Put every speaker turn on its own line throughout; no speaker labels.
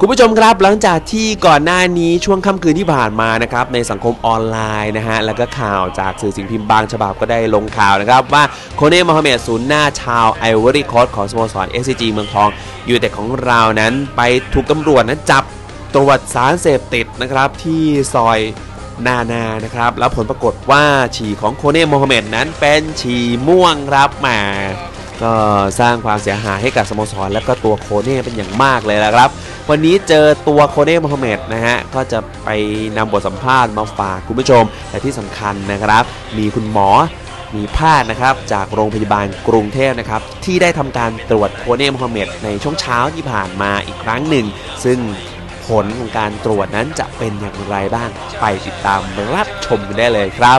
คุณผู้ชมครับหลังจากที่ก่อนหน้านี้ช่วงค่ำคืนที่ผ่านมานะครับในสังคมออนไลน์นะฮะแล้วก็ข่าวจากสื่อสิ่งพิมพ์บางฉบับก็ได้ลงข่าวนะครับว่าโคเน่ โมฮัมเหม็ดศูนย์หน้าชาวไอวอรี่โคสต์ของสโมสร SCG เมืองทองยูไนเต็ดของเรานั้นไปถูกตำรวจนั้นจับตรวจสารเสพติดนะครับที่ซอยนานะครับแล้วผลปรากฏว่าฉี่ของโคเน่ โมฮัมเหม็ดนั้นเป็นฉี่ม่วงครับแหมก็สร้างความเสียหายให้กับสโมสรและก็ตัวโคเน่เป็นอย่างมากเลยนะครับวันนี้เจอตัวโคเน่ โมฮัมเหม็ดนะฮะก็จะไปนำบทสัมภาษณ์มาฝากคุณผู้ชมแต่ที่สำคัญนะครับมีคุณหมอมีแพทย์นะครับจากโรงพยาบาลกรุงเทพนะครับที่ได้ทำการตรวจโคเน่ โมฮัมเหม็ดในช่วงเช้าที่ผ่านมาอีกครั้งหนึ่งซึ่งผลของการตรวจนั้นจะเป็นอย่างไรบ้างไปติดตามรับชมกันได้เลยครับ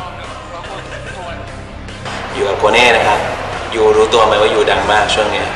อยู่กับโคเน่นะครับอยู่รู้ตัวไหมว่าอยู่ดังมากช่วงนี้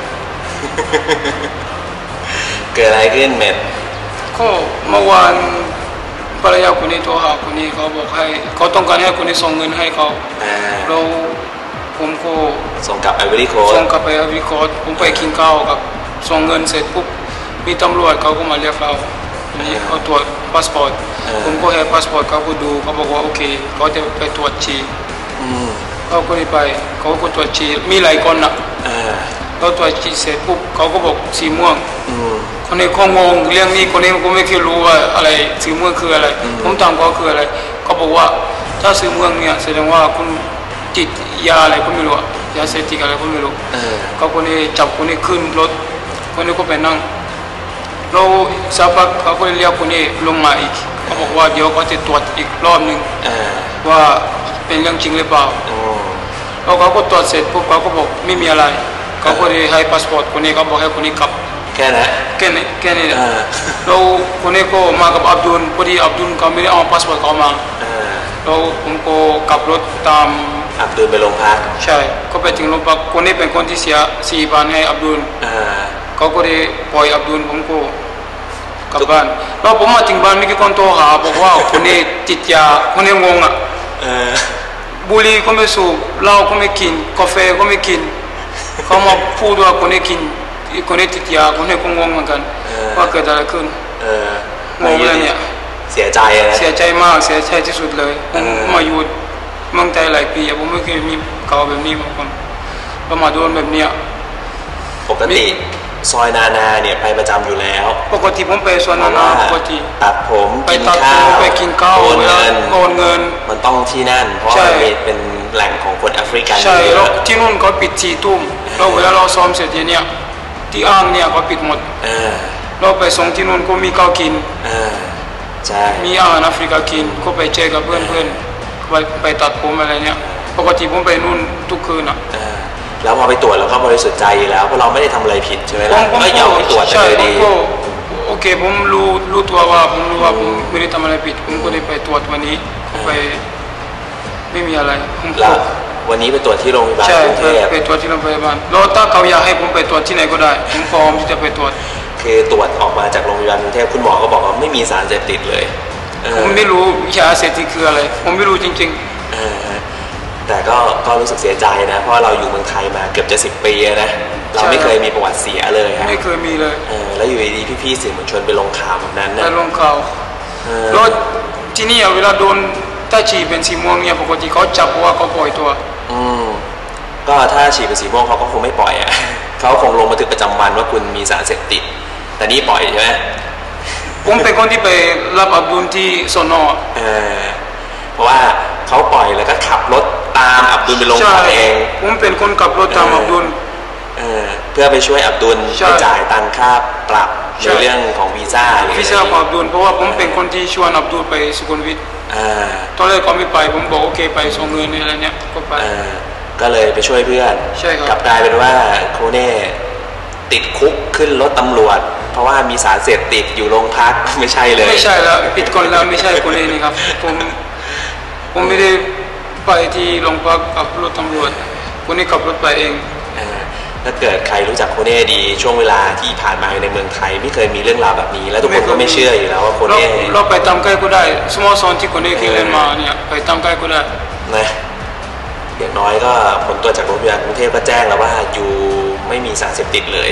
เกิดอะไรขึ้นเม็ด
ก็เมื่อวานภรรยาคนนี้โทรหาคนนี้เขาบอกให้เขาต้องการให้คนนี้ส่งเงินให้เขาเราผมก็
ส่งกลับไอวอรี่โค้
ดผมไปกินข้าวกับส่งเงินเสร็จปุ๊บมีตำรวจเขาก็มาเรียกเรานี่เขาตรวจพาสปอร์ตผมก็ให้พาสปอร์ตเขาก็ดูเขาบอกว่าโอเคเขาจะไปตรวจฉี่เขาก็ไปเขาก็ตรวจฉี่มีหลายคนนะเราตรวจฉี่เสร็จปุ๊บเขาก็บอกสีม่วงคนนี้เขางงเรื่องนี้คนนี้ก็ไม่เคยรู้ว่าอะไรสีม่วงคืออะไรผมถามเขาคืออะไรเขาบอกว่าถ้าสีม่วงเนี่ยแสดงว่าคุณติดยาอะไรก็ไม่รู้ยาเสพติดอะไรก็ไม่รู้เขาคนนี้จับคนนี้ขึ้นรถคนนี้ก็ไปนั่งเราสักพักเขาก็เรียกคนนี้ลงมาอีกเขาบอกว่าเดี๋ยวเขาจะตรวจอีกรอบหนึ่งว่าเป็นเรื่องจริงหรือเปล่าแล้วเขาก็ตรวจเสร็จปุ๊บเขาก็บอกไม่มีอะไรเขาก็เลยให้พาสปอร์ตคนนี้เขาบอกให้คนนี้กลับ
แค่นั้น
แล้วคนนี้ก็มากับอับดุลพอดีอับดุลเขาไม่ได้เอาพาสปอร์ตเขามาแล้วผมก็ขับรถตาม
อับดุลไปโรงพัก
ใช่ก็ไปถึงโรงพักคนนี้เป็นคนที่เสีย4,000ให้อับดุลเขาก็ได้ปล่อยอับดุลผมก็กลับบ้านแล้วผมมาถึงบ้านมีคนโทรหาบอกว่าคนนี้ติดยาคนนี้งงอ่ะบุหรี่ก็ไม่สูบเหล้าก็ไม่กินกาแฟก็ไม่กินเขามาพูดว่าคนนี้กินคนนี้ติดยาคนนี้ก็งงเหมือนกันว่าเกิดอะไรขึ้นงงเลยเนี่ย
เสียใจนะ
เสียใจมากเสียใจที่สุดเลยผมมาอยู่เมืองไทยหลายปีผมไม่เคยมีข่าวแบบนี้มาก่อนก็มาโดนแบบเนี้ย
ปกติซอยนาเนี่ยไปประจำอยู่แล้ว
ปกติผมไปซอยนาปกติ
ตัดผม
ไปตัดผมไปกินข้าวโอนเงิน
มันต้องที่นั่นเพราะเป็นแหล่งของคนแอฟริกัน
ใช่แล้วที่นู่นเขาปิด4 ทุ่มเราเวลาเราซ้อมเสร็จเนี่ยที่อ่างเนี่ยเขาปิดหมดเราไปส่งที่นู่นก็มีข้าวกิน
ใช่
มีอาหารแอฟริกากินก็ไปเจอกับเพื่อนไปตัดผมอะไรเนี่ยปกติผมไปนู่นทุกคืน
แล้วพอไปตรวจเราก็บริสุทธิ์ใจแล้วเพราะเราไม่ได้ทำอะไรผิดใช่ไหมล่ะก็ยอมไปตรวจเลยดี
โอเคผมรู้ตัวว่าผมรู้ว่าผมไม่ได้ทำอะไรผิดผมก็ได้ไปตรวจวันนี้ไปไม่มีอะไร
แล้ววันนี้ไปตรวจที่โรงพยาบาลกรุงเทพ
ไปตรวจที่โรงพยาบาลแล้วถ้าเขาอยากให้ผมไปตรวจที่ไหนก็ได้ผมพร้อมที่จะไปตรวจ
คือตรวจออกมาจากโรงพยาบาลกรุงเทพคุณหมอก็บอกว่าไม่มีสารเสพติดเลย
ผมไม่รู้ยาเสพติดคืออะไรผมไม่รู้จริง
ๆแต่ก็รู้สึกเสียใจนะเพราะเราอยู่เมืองไทยมาเกือบจะ10 ปีนะเราไม่เคยมีประวัติเสียเลย
ไม่เคยมีเลย
แล้วอยู่ดีๆพี่ๆสื่อมวลชนไปลงข่าวแบบนั้นนะ
ไปลงข่าวแล้วที่นี่เวลาโดนถ้าฉี่เป็นสีม่วงเนี่ยปกติเขาจับว่าเขาปล่อยตัว
ก็ถ้าฉี่เป็นสีม่วงเขาก็คงไม่ปล่อยเขาคงลงบันทึกประจำวันว่าคุณมีสารเสพติดแต่นี่ปล่อยใช่ไหม
ผมเป็นคนที่ไปรับอับดุลที่สน.
เพราะว่าเขาปล่อยแล้วก็ขับรถตามอับดุลไปลงพักเอง
ผมเป็นคนขับรถตามอับดุล
เพื่อไปช่วยอับดุลไปจ่ายตังค่าปรับในเรื่องของวีซ่า
ของอับดุลเพราะว่าผมเป็นคนที่ชวนอับดุลไปสุขุมวิทตอนแรกเขาไม่ไปผมบอกโอเคไปส่งเงินอะไรเนี่ยก็ไป
ก็เลยไปช่วยเพื่อนกลับกลายเป็นว่าโคเน่ติดคุกขึ้นรถตำรวจเพราะว่ามีสารเสพติดอยู่โรงพักไม่ใช่เลย
ไม่ใช่แล้วปิดก่อนแล้วไม่ใช่โคเน่นี่ครับผมไม่ได้ไปที่โรงพักกับรถตำรวจคนนี้ขับรถไปเอง
ถ้าเกิดใครรู้จักโคเน่ดีช่วงเวลาที่ผ่านมาในเมืองไทยไม่เคยมีเรื่องราวแบบนี้แล้วทุกคนก็ไม่เชื่ออยู่แล้วว่าโคเน่
เราไปตามใกล้ก็ได้สโมสรที่โคเน่เคยเล่นมาเนี่ยไปตามใกล้ก็ได้
นะอย่างน้อยก็ผลตรวจจากโรงพยาบาลกรุงเทพก็แจ้งแล้วว่าอยู่ไม่มีสารเสพติดเลย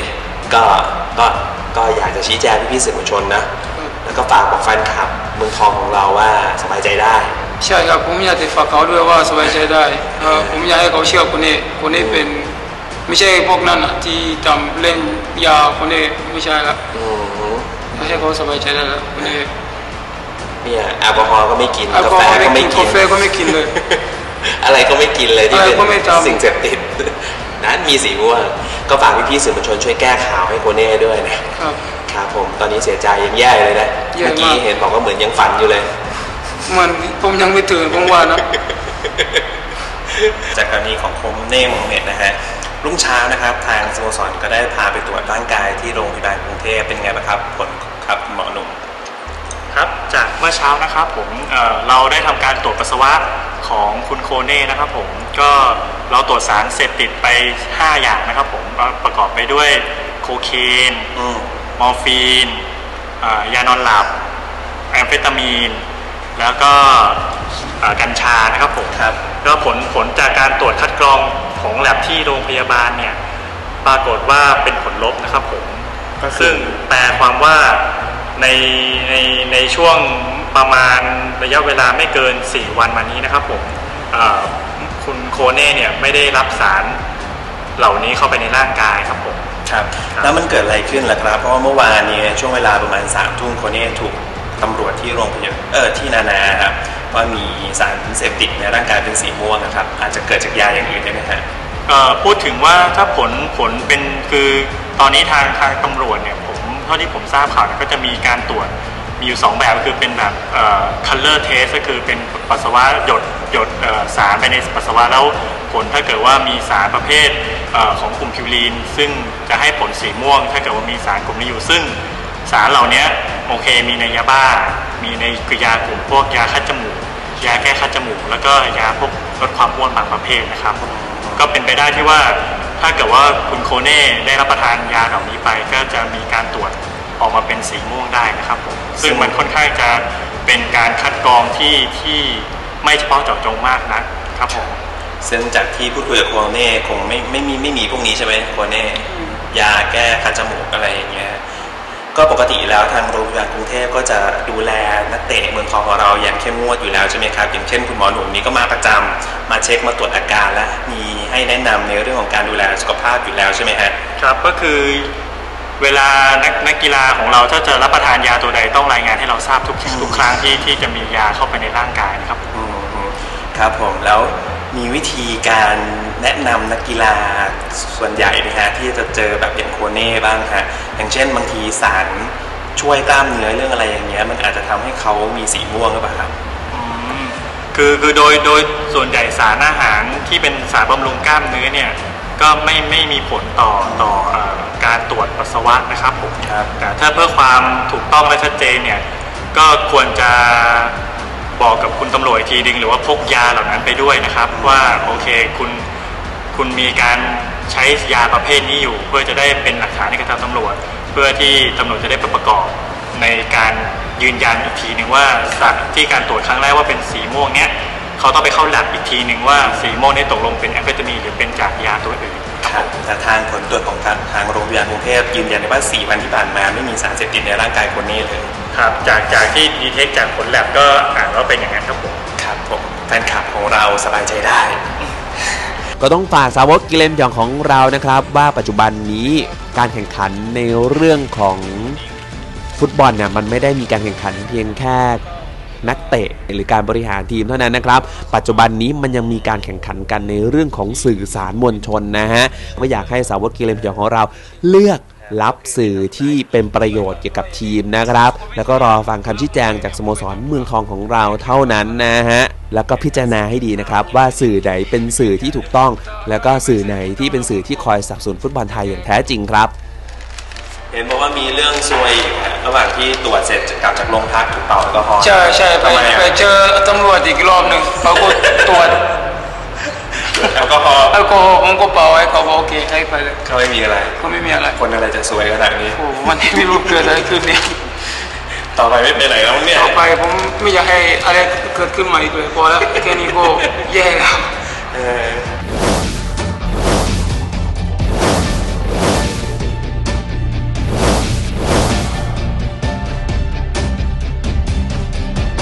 ก็ก็อยากจะชี้แจงพี่ๆสื่อมวลชนนะแล้วก็ฝากบอกแฟนคลับเมืองทองของเราว่าสบายใจได้
ใช่ครับผมอยากจะฝากเขาด้วยว่าสบายใจได้ผมอยากให้เขาเชื่อคนนี้เป็นไม่ใช่พวกนั้นที่ทำเล่นยาคนนี้ไม่ใช่ละไม่ใช่เขาสบายใจได้แล้วคนนี้
เนี่ยแอลกอฮอล์ก็ไม่กิน
กาแฟก็ไม่กินกาแฟก็ไม่กินเลย
อะไรก็ไม่กินเลยที่เป็นสิ่งเสพติดนั้นมีสีม่วงก็ฝากพี่ๆสื่อมวลชนช่วยแก้ข่าวให้โคเน่ด้วยนะครับครับผมตอนนี้เสียใจยังแย่เลยนะเมื่อกี้เห็นบอกว่าเหมือนยังฝันอยู่เลย
มันผมยังไม่ตื่นผมว่านะ
จากกรณีของโคเน่โมฮัมเหม็ดนะฮะรุ่งเช้านะครับทางสโมสรก็ได้พาไปตรวจร่างกายที่โรงพยาบาลกรุงเทพเป็นไงบ้างครับผลครับหมอหนุ่ม
ครับจากเมื่อเช้านะครับผมเราได้ทำการตรวจปัสสาวะของคุณโคเน่นะครับผมก็เราตรวจสารเสพติดไป5อย่างนะครับผมประกอบไปด้วยโคเคนมอร์ฟีนยานอนหลับแอมเฟตามีนแล้วก็กัญชานะครับผมครับก็ผลจากการตรวจคัดกรองของแลบที่โรงพยาบาลเนี่ยปรากฏว่าเป็นผลลบนะครับผมซึ่งแปลความว่าในช่วงประมาณระยะเวลาไม่เกิน4วันมานี้นะครับผมคุณโคเน่เนี่ยไม่ได้รับสารเหล่านี้เข้าไปในร่างกายครับผม
ครับแล้วมันเกิดอะไรขึ้นล่ะครับเพราะว่าเมื่อวานนี้ช่วงเวลาประมาณ3 ทุ่มโคเน่ถูกตำรวจที่โรงพยาบาลที่นานาครับว่ามีสารเสพติดในร่างกายเป็นสีม่วงนะครับอาจจะเกิดจากยาอย่างอื่นได้ไหมครับ
พูดถึงว่าถ้าผลเป็นคือตอนนี้ทางตำรวจเนี่ยเท่าที่ผมทราบข่าวก็จะมีการตรวจมีอยู่2แบบก็คือเป็นแบบcolor test ก็คือเป็นปัสสาวะหยดสารไปในปัสสาวะแล้วผลถ้าเกิดว่ามีสารประเภทของกลุ่มพิวรีนซึ่งจะให้ผลสีม่วงถ้าเกิดว่ามีสารกลุ่มนี้อยู่ซึ่งสารเหล่านี้โอเคมีในยาบ้ามีในยากลุ่มพวกยาคัดจมูกยาแก้คัดจมูกแล้วก็ยาพวกลดความอ้วนบางประเภทนะครับก็เป็นไปได้ที่ว่าถ้าเกิดว่าคุณโคเน่ได้รับประทานยาเหล่านี้ไปก็จะมีการตรวจออกมาเป็นสีม่วงได้นะครับผมซึ่งมันค่อนข้างจะเป็นการคัดกรองที่ไม่เฉพาะเจาะจงมากนะครับผม
ซึ่งจากที่พูดคุยกับโคเน่คงไม่มีพวกนี้ใช่ไหมโคเน่ยาแก้คัดจมูกอะไรอย่างเงี้ยก็ปกติแล้วทางโรงพยาบาลกรุงเทพก็จะดูแลนักเตะเมืองทองของเราอย่างเข้มงวดอยู่แล้วใช่ไหมครับอย่างเช่นคุณหมอหนุ่มนี้ก็มาประจำมาเช็คมาตรวจอาการและมีให้แนะนำในเรื่องของการดูแลสุขภาพอยู่แล้วใช่ไหมฮะ
ครับก็คือเวลานักกีฬาของเราถ้าจะรับประทานยาตัวใดต้องรายงานให้เราทราบทุกครั้งที่จะมียาเข้าไปในร่างกายนะครับ
ครับผมแล้วมีวิธีการแนะนำนักกีฬาส่วนใหญ่นะฮะที่จะเจอแบบอย่างโคเน่บ้างฮะอย่างเช่นบางทีสารช่วยกล้ามเนื้อเรื่องอะไรอย่างเงี้ยมันอาจจะทำให้เขามีสีม่วงหรือเปล่าครับ
คือโดยส่วนใหญ่สารอาหารที่เป็นสารบำรุงกล้ามเนื้อเนี่ยก็ไม่มีผลต่อการตรวจปัสสาวะนะครับผมแต่ถ้าเพื่อความถูกต้องและชัดเจนเนี่ยก็ควรจะบอกกับคุณตำรวจทีนึงหรือว่าพกยาเหล่านั้นไปด้วยนะครับว่าโอเคคุณมีการใช้ยาประเภทนี้อยู่เพื่อจะได้เป็นหลักฐานในการทำตำรวจเพื่อที่ตำรวจจะได้ประกอบในการยืนยันอีกทีนึงว่าสารที่การตรวจครั้งแรกว่าเป็นสีม่วงเนี้ยเขาต้องไปเข้าแลบอีกทีนึงว่าสีม่วงนี้ตกลงเป็นแอมเฟตามีนหรือเป็นจากยาตัวอื่น
ครับแต่ทางผลตรวจของทางโรงพยาบาลกรุงเทพยืนยันว่า4 วันที่ผ่านมาไม่มีสารเสพติดในร่างกายคนนี้เลย
ครับจากที่ดีเทคจากผลแลบก็อ่านว่าเป็นอย่างนั้นครับผม
ครับผมแฟนคลับของเราสบายใจได้
ก็ต้องฝากสาวกกิเลนพยองของเรานะครับว่าปัจจุบันนี้การแข่งขันในเรื่องของฟุตบอลเนี่ยมันไม่ได้มีการแข่งขันเพียงแค่นักเตะหรือการบริหารทีมเท่านั้นนะครับปัจจุบันนี้มันยังมีการแข่งขันกันในเรื่องของสื่อสารมวลชนนะฮะก็อยากให้สาวกกิเลนพยองของเราเลือกรับสื่อที่เป็นประโยชน์เกี่ยวกับทีมนะครับแล้วก็รอฟังคำชี้แจงจากสโมสรเมืองทองของเราเท่านั้นนะฮะแล้วก็พิจารณาให้ดีนะครับว่าสื่อไหนเป็นสื่อที่ถูกต้องแล้วก็สื่อไหนที่เป็นสื่อที่คอยสนับสนุนฟุตบอลไทยอย่างแท้จริงครับ
เห็นบอกว่ามีเรื่องซวยระหว่างที่ตรวจเสร็จกลับจากโรงพักถูกเป่าแอลกอฮอล์
ใช่ไปเจอตำรวจอีกรอบหนึ่งเขาก็ตรวจ
แอลกอฮอล์
ผมก็เป่าให้เขาบอกโอเคให้ไปเลย
เขาไม่มีอะไรคนอะไรจะซวยขนาดนี้
โอ้วันนี้ไม่รู้เกิดอะไรขึ้นเนี่ย
ต่อไปไม่เป็นไรแล้วเนี่ย
ต่อไปผมไม่อยากให้อะไรเกิดขึ้นใหม่อีกเลยพอแล้วแค่นี้ก็แย่แล้ว